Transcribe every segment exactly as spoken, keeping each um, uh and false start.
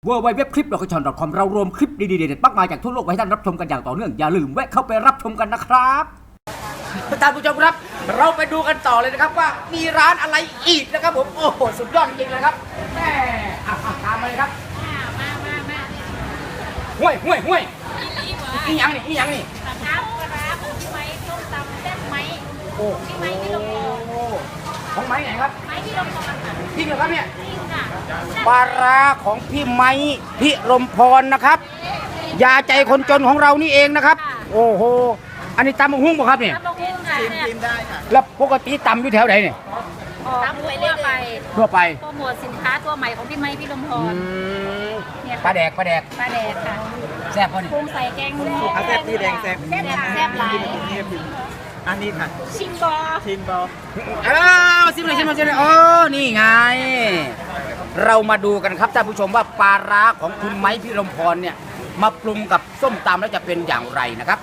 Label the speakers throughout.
Speaker 1: ดับเบิลยู ดับเบิลยู ดับเบิลยู ดอท คลิป ดอท คอม เรารวมคลิปดีๆเด็ดๆมากมายจากทั่วโลกไว้ให้ท่านรับชมกันอย่างต่อเนื่องอย่าลืมแวะเข้าไปรับชมกันนะครับท่านผู้ชมครับเราไปดูกันต่อเลยนะครับว่ามีร้านอะไรอีกนะครับผมโอ้โหสุดยอดจริงๆนะครับแม่ตามมาเลยครับมามามาห่วยห่วยห่วยอีหยังนี่อีหยังนี่
Speaker 2: ปลาร้าปลาร้าของพี่ไม้ต้มตำแซ่บไหม
Speaker 1: โอ้
Speaker 2: พี่ไม้พี่ลมพร
Speaker 1: ของไม้ไหนครับ
Speaker 2: ไม้พี่ลมพรค่ะ
Speaker 1: จริงเหรอครับเนี่ย
Speaker 2: จริงค่ะ
Speaker 1: ปลาร้าของพี่ไม้พิรมพรนะครับยาใจคนจนของเรานี่เองนะครับโอ้โหอันนี้ตำมะฮุ่งป่ะครับเนี่ย
Speaker 2: ตำมะฮุ่งค่ะ
Speaker 3: กินได้ค่ะ
Speaker 1: แล้วปกติตำอยู่แถวไหนเนี่ย
Speaker 2: ตำไปเรื่อยไป
Speaker 1: ทั่วไป
Speaker 2: โปรโมทสินค้าตัวใหม่ของพี่ไม้พี่ลมพร
Speaker 1: เนี่ยปลาแดกปลาแดก
Speaker 2: ปลาแดกค่ะ
Speaker 1: แซ่บป่ะเนี่ย
Speaker 2: ปรุงใส่แกง
Speaker 3: แซ่บที่แดงแซ่บ
Speaker 2: แซ่บแซ่บหลาย
Speaker 3: อันนี้ค่ะ
Speaker 2: ชิมบอ
Speaker 3: ชิมบอ
Speaker 1: เออซิมเลยซิมเลยซิมเลยโอ้นี่ไงเรามาดูกันครับท่านผู้ชมว่าปลาร้าของคุณไม้พิรมพรเนี่ยมาปรุงกับส้มตำแล้วจะเป็นอย่างไรนะครับ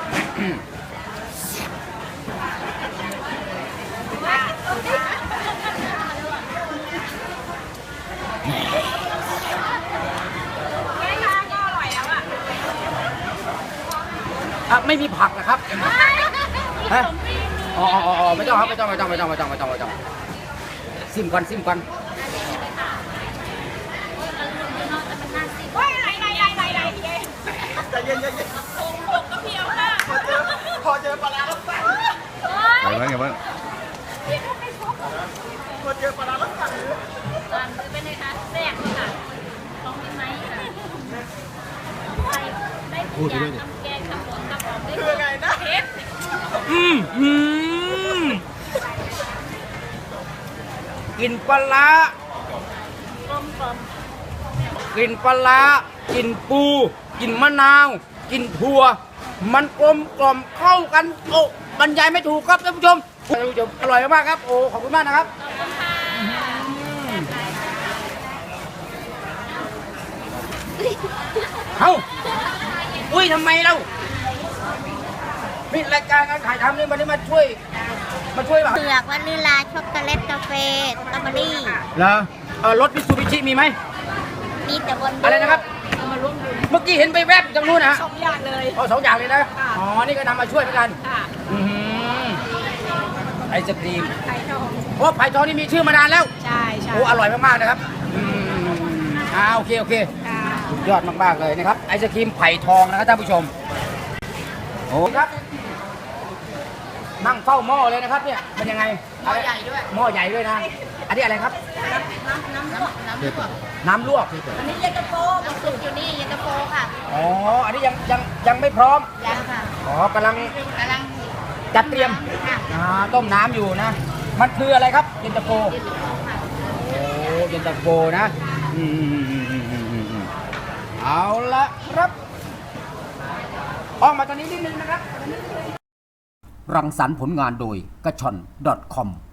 Speaker 1: ไม่มีผักนะครับฮะอ๋ออ๋อไม่ต้องครับไม่ต้องไม่ต้องไม่ต้องไม่ต้องไม่ต้องไม่ต้องซิมก่อนซิมก่อน
Speaker 3: ใจเย็นใจเย็นพอเจอปลาแล้วสั่ง
Speaker 4: อะไรบ้างไงบ้าง
Speaker 3: พอเจอปลาแล้วสั่ง
Speaker 2: สั่งคือเป็นไงคะแซ่บค่ะต้องมีไหมค่ะได้ทุกอย่างทำแกงทำหมูทำหอมได้
Speaker 3: คือไงนะ
Speaker 2: เผ็ด
Speaker 1: อืมอืมกินปลาร้ากลมกลมกินปลาร้ากินปูกินมะนาวกินถั่วมันกลมกล่อมเข้ากันโอ้บรรยายไม่ถูกครับท่านผู้ชมท่านผู้ชมอร่อยมากครับโอ้ขอบคุณมากนะครับเฮ้าอุ้ยทำไมเรามีรายการการถ่ายทำนี่มันได้มาช่วยมาช่วยแบบ
Speaker 5: เผือกวานิลาช็อกโกแลตกาแฟสตรอเบอรี่
Speaker 1: เหรอเออรถมิตซูบิชิมีไหม
Speaker 5: มีแต่บน
Speaker 1: อะไรนะครับเมื่อกี้เห็นไปแวบจากนู้นนะ
Speaker 2: สองอย่างเลย
Speaker 1: อ๋อสองอย่างเลยนะอ๋อนี่ก็นำมาช่วยเหมือนกัน
Speaker 2: ค่ะ
Speaker 1: ไอศกรีม
Speaker 2: ไข่ทอง
Speaker 1: เพราะไผ่ทองนี่มีชื่อมานานแล้ว
Speaker 2: ใช่ใช่
Speaker 1: โอ้อร่อยมากๆนะครับอ่าโอเคโอเคสุดยอดมากๆเลยนะครับไอศกรีมไผ่ทองนะครับท่านผู้ชมโอ้ครับนั่งเฝ้าหม้อเลยนะครับเนี่ยเป็นยังไงหม้อใหญ่ด้วยหม้อใหญ่ด้วยนะอันนี้อะไรครับ
Speaker 5: น้ำน้ำลวกน้ำลวก
Speaker 1: น้ำลวก
Speaker 5: อันนี้เย็นตาโฟน้ำซุปอยู่นี่เย็นตาโฟค่ะ
Speaker 1: อ๋ออันนี้ยังยังยังไม่พร้อม
Speaker 5: ยังค่ะ
Speaker 1: อ๋อกำลัง
Speaker 5: กำลัง
Speaker 1: จัดเตรียมอ่าต้มน้ำอยู่นะมันคืออะไรครับเย็นตาโฟ
Speaker 5: เย็นตาโฟค่ะ
Speaker 1: โอ้เย็นตาโฟนะอืมเอาละครับออกมาตอนนี้นิดนึงนะครับรังสรรค์ผลงานโดยกระชอน ดอท คอม